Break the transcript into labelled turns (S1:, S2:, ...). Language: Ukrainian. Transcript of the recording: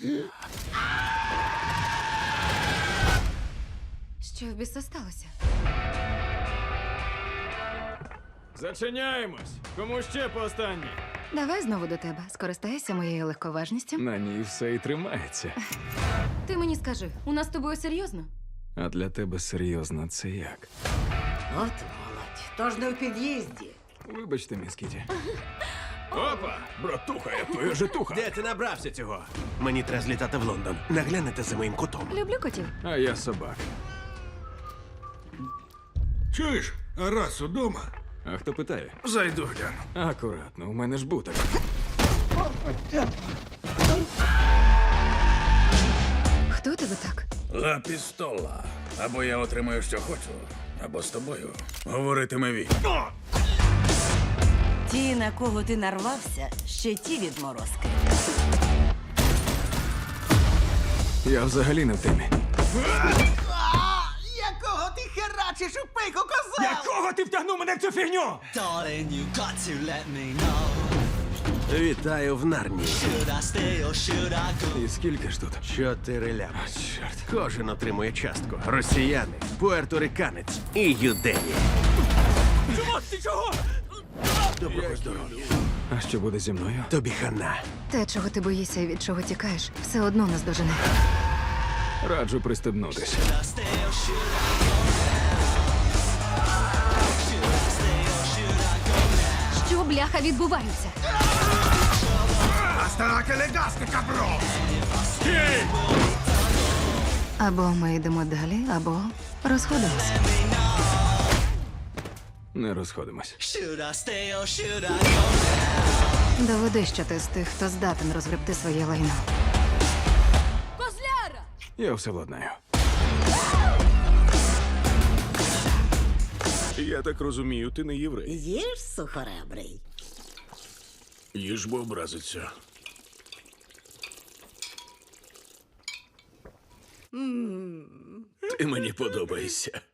S1: Що в біса сталося?
S2: Зачиняємось! Кому ще по останній?
S1: Давай знову до тебе. Скористайся моєю легковажністю.
S2: На ній все і тримається.
S1: Ти мені скажи, у нас з тобою серйозно?
S2: А для тебе серйозно це як?
S3: От молодь, тож не в під'їзді.
S2: Вибачте, міс Кіті. Опа! Братуха, я твоя житуха!
S4: Де ти набрався цього? Мені треба злітати в Лондон. Наглянете за моїм котом.
S1: Люблю котів.
S2: А я собак.
S5: Чуєш, а раз удома?
S2: А хто питає?
S5: Зайду гляну.
S2: Акуратно, у мене ж буток.
S1: Хто тебе так?
S5: Ла пістола. Або я отримаю, що хочу, або з тобою говоритиме він.
S3: Ті, на кого ти нарвався, ще ті відморозки.
S2: Я взагалі не в темі.
S4: Якого ти херачиш у пику, коза?
S2: Якого ти втягнув мене в цю фігню?
S6: Darling, you got to let me know.
S4: Вітаю в Нарнії.
S6: Should I stay or should I go?
S2: І скільки ж тут?
S4: 4 лями.
S2: Чорт.
S4: Кожен отримує частку. Росіяни, пуерториканець і юдеї.
S2: Чого? Ти чого?
S4: Доброго здоров'я.
S2: А що буде зі мною?
S4: Тобі хана.
S1: Те, чого ти боїшся і від чого тікаєш, все одно нас дожене.
S2: Раджу пристебнутись.
S6: Should I stay or should I go? Should I stay or should I go?
S1: Що, бляха, відбувається? Або ми йдемо далі, або розходимося.
S2: Не розходимось.
S6: Should I stay or should I go?
S1: Доведи, що ти з тих, хто здатен розгребти своє лайно.
S2: Я все владнаю.
S5: Я так розумію, ти не єврей.
S3: Їж, сухоребрий.
S5: Їж, бо образиться. Ти мені подобаєшся.